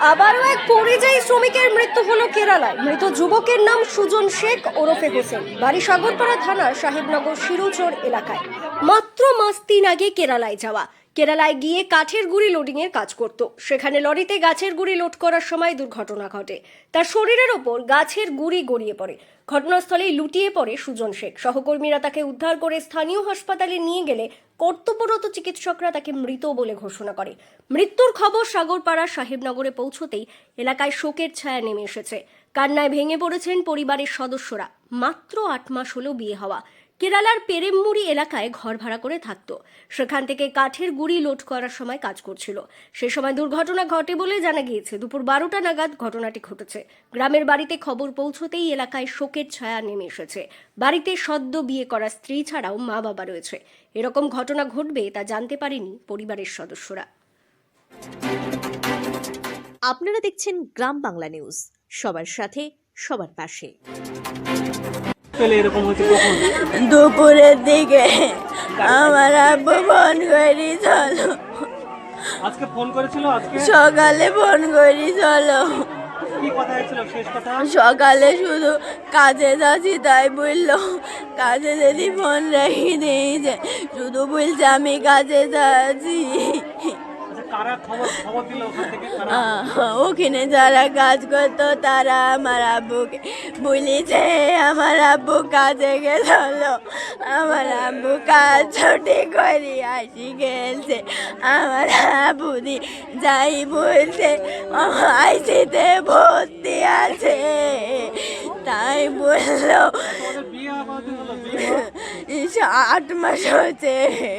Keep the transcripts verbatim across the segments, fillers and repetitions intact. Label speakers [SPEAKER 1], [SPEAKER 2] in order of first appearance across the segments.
[SPEAKER 1] আবারও এক পরিযায়ী শ্রমিকের মৃত্যু হলো কেরালায়। মৃত যুবকের নাম সুজন শেখ ওরফে হোসেন, বাড়ি সাগরপাড়া থানার সাহেবনগর শিরুচর এলাকায়। মাত্র মাস তিন আগে কেরালায় যাওয়া। কেরালায় গিয়ে কাঠের গুঁড়ি লোডিং এর কাজ করত। সেখানে লরিতে গাছের গুঁড়ি লোড করার সময় দুর্ঘটনা ঘটে। তার শরীরের ওপর গাছের গুঁড়ি গড়িয়ে পড়ে। ঘটনাস্থলেই লুটিয়ে পড়ে সুজন শেখ। সহকর্মীরা তাকে উদ্ধার করে স্থানীয় হাসপাতালে নিয়ে গেলে কর্তব্যরত চিকিৎসকরা তাকে মৃত বলে ঘোষণা করে। মৃত্যুর খবর সাগরপাড়া সাহেবনগরে পৌঁছতেই এলাকায় শোকের ছায়া নেমে এসেছে। কান্নায় ভেঙে পড়েছেন পরিবারের সদস্যরা। মাত্র আট মাস হলো বিয়ে হওয়া। কেরালার পেরেমমুড়ি এলাকায় ঘর ভাড়া করে থাকতো। সেখান থেকে কাঠের গুঁড়ি লোড করার সময় কাজ করছিল। সে সময় দুর্ঘটনা ঘটে বলে জানা গিয়েছে। দুপুর বারোটা নাগাদ ঘটনাটি ঘটেছে। গ্রামের বাড়িতে খবর পৌঁছতেই এলাকায় শোকের ছায়া নেমে এসেছে। বাড়িতে সদ্য বিয়ে করা স্ত্রী ছাড়াও মা বাবা রয়েছে। এরকম ঘটনা ঘটবে তা জানতে পারেনি পরিবারের সদস্যরা।
[SPEAKER 2] আপনারা দেখছেন গ্রাম বাংলা নিউজ, সবার সাথে সবার পাশে।
[SPEAKER 3] দুপুরের দিকে আমার আব্বু ফোন করি চলো,
[SPEAKER 4] আজকে ফোন করেছিল। আজকে
[SPEAKER 3] সকালে ফোন করি চলো।
[SPEAKER 4] কি কথা হয়েছিল শেষ কথা?
[SPEAKER 3] সকালে শুধু কাজে যাচ্ছি তাই বললো, কাজে যদি ফোন রেখে দিয়েছে, শুধু বলছে আমি কাজে যাচ্ছি।
[SPEAKER 4] কারা খবর খবর দিল ওখান থেকে?
[SPEAKER 3] ওখানে যারা কাজ করতো তারা আমার আব্বুকে বলেছে আমার আব্বু কাজে গেল। আমার আব্বু কাজ ছুটি করে আসি গেছে। আমার আব্বু দি যাই বলছে আইসিতে ভর্তি আছে, তাই বললো। আট মাস হচ্ছে।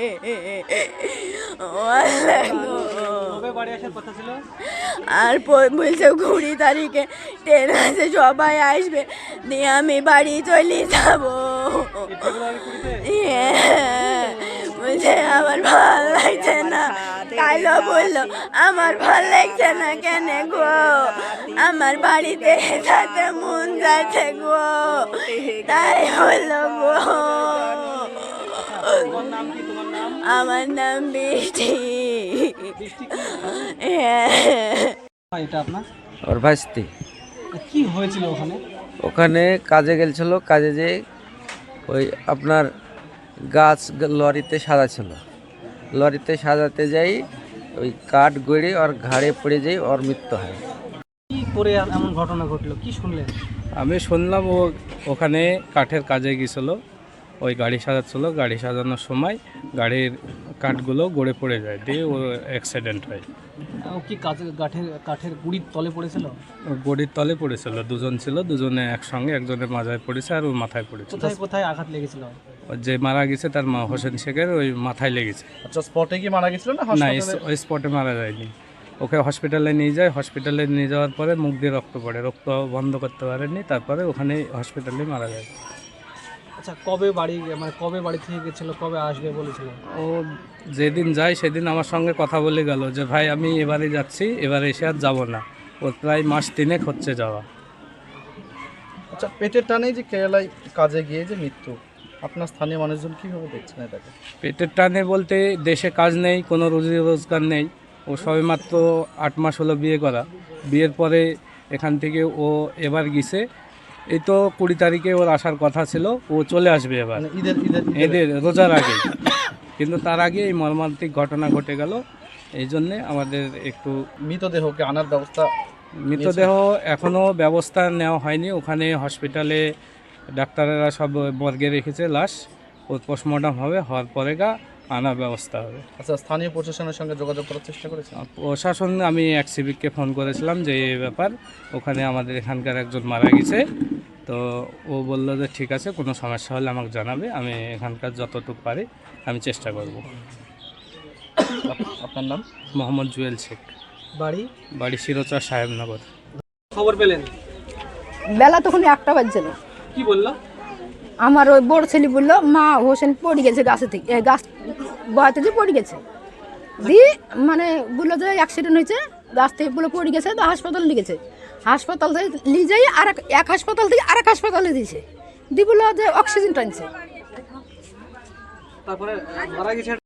[SPEAKER 3] আর বলছে কুড়ি তারিখে ট্রেন আছে, সবাই আসবে, দিয়ে আমি বাড়ি চলে যাব। বলছে আমার ভাল লাগছে না। কালো বললো আমার ভাল লাগছে না কেন গো, আমার বাড়িতে যেতে মন যাচ্ছে গো, তাই বললো গো। আমার নাম বৃষ্টি।
[SPEAKER 4] এটা আপনার
[SPEAKER 5] ওর ভাইস্তি।
[SPEAKER 4] কি হয়েছিল ওখানে?
[SPEAKER 5] ওখানে কাজে গেছিল, কাজে যে ওই আপনার গাছ লরিতে সাজাছিল, লরিতে সাজাতে যাই ওই কাঠ গড়ে ওর ঘাড়ে পড়ে যাই, ওর মৃত্যু হয়।
[SPEAKER 4] কি করে এমন ঘটনা ঘটলো, কি শুনলেন?
[SPEAKER 6] আমি শুনলাম ও ওখানে কাঠের কাজে গিয়েছিল, ওই গাড়ি সাজাচ্ছিল, গাড়ি সাজানোর সময় গাড়ির কাঠগুলো গড়ে পড়ে যায়, দিয়ে ও অ্যাক্সিডেন্ট হয়।
[SPEAKER 4] ও কি কাঠের কাঠের কাঠের গুঁড়ির তলে পড়েছিল?
[SPEAKER 6] ও গড়ির তলে পড়েছিল, দুজন ছিল, দুজনে একসঙ্গে, একজনের মাথায় পড়েছে আর ওর মাথায় পড়েছে।
[SPEAKER 4] কোথায় কোথায় আঘাত লেগেছিল?
[SPEAKER 6] যে মারা গেছে তার মা হোসেন শেখের ওই মাথায় লেগেছে।
[SPEAKER 7] আচ্ছা, স্পটে কি মারা গেছিল না?
[SPEAKER 6] না, ওই স্পটে মারা যায়নি। ওকে হসপিটালে নিয়ে যায়, হসপিটালে নিয়ে যাওয়ার পরে মুখ দিয়ে রক্ত পড়ে, রক্ত বন্ধ করতে পারেনি, তারপরে ওখানে হসপিটালে মারা যায়।
[SPEAKER 4] আচ্ছা, কবে বাড়ি মানে কবে বাড়ি থেকে গেছিল, কবে আসবে বলেছিল?
[SPEAKER 6] ও যেদিন যায় সেদিন আমার সঙ্গে কথা বলে গেল যে ভাই আমি এবারে যাচ্ছি, এবারে এসে আর যাবো না। ওর প্রায় মাস তিনেক হচ্ছে যাওয়া।
[SPEAKER 7] আচ্ছা, পেটের টানেই যে কেরালায় কাজে গিয়ে যে মৃত্যু, আপনার স্থানীয় মানুষজন কীভাবে দেখছেন এটাকে?
[SPEAKER 6] পেটের টানে বলতে দেশে কাজ নেই, কোনো রুজি রোজগার নেই। ও সবেমাত্র আট মাস হলো বিয়ে করা। বিয়ের পরে এখান থেকে ও এবার গেছে, এই তো কুড়ি তারিখে ওর আসার কথা ছিল, ও চলে আসবে এবার
[SPEAKER 7] ঈদের ঈদের
[SPEAKER 6] এদের রোজার আগে, কিন্তু তার আগে এই মর্মান্তিক ঘটনা ঘটে গেল। এই জন্যে আমাদের একটু
[SPEAKER 7] মৃতদেহকে আনার ব্যবস্থা।
[SPEAKER 6] মৃতদেহ এখনও ব্যবস্থা নেওয়া হয়নি। ওখানে হসপিটালে ডাক্তারেরা সব মর্গে রেখেছে লাশ, ও পোস্টমর্টম হবে, হওয়ার পরে গা আনার ব্যবস্থা হবে।
[SPEAKER 7] আচ্ছা, স্থানীয় প্রশাসনের সঙ্গে যোগাযোগ করার চেষ্টা করেছেন?
[SPEAKER 6] প্রশাসন আমি এক সিভিককে ফোন করেছিলাম যে এই ব্যাপার, ওখানে আমাদের এখানকার একজন মারা গেছে, তো ও বললো যে ঠিক আছে, কোনো সমস্যা হলে আমাকে জানাবে, আমি এখানকার যতটুকু পারি আমি চেষ্টা করব।
[SPEAKER 7] আপনার নাম?
[SPEAKER 6] মোহাম্মদ জুয়েল শেখ।
[SPEAKER 4] বাড়ি?
[SPEAKER 6] বাড়ি শিরোচর সাহেবনগর।
[SPEAKER 4] খবর পেলেন?
[SPEAKER 8] বেলা তখন একটা বাজছিল।
[SPEAKER 4] কি বললো?
[SPEAKER 8] আমার ওই বড় ছেলে বললো মা হোসেন পড়ে গেছে গাছে থেকে, গাছ বহাতে যে পড়ে গেছে, দিয়ে মানে বললো যে অ্যাক্সিডেন্ট হয়েছে, গাছ থেকে বলে পড়ে গেছে, তো হাসপাতাল নিয়ে গেছে। হাসপাতাল থেকে নিয়ে যাই আর এক হাসপাতাল থেকে আর এক হাসপাতালে দিয়েছে, দিয়ে বললো যে অক্সিজেন টানছে।
[SPEAKER 4] তারপরে মারা গেছে।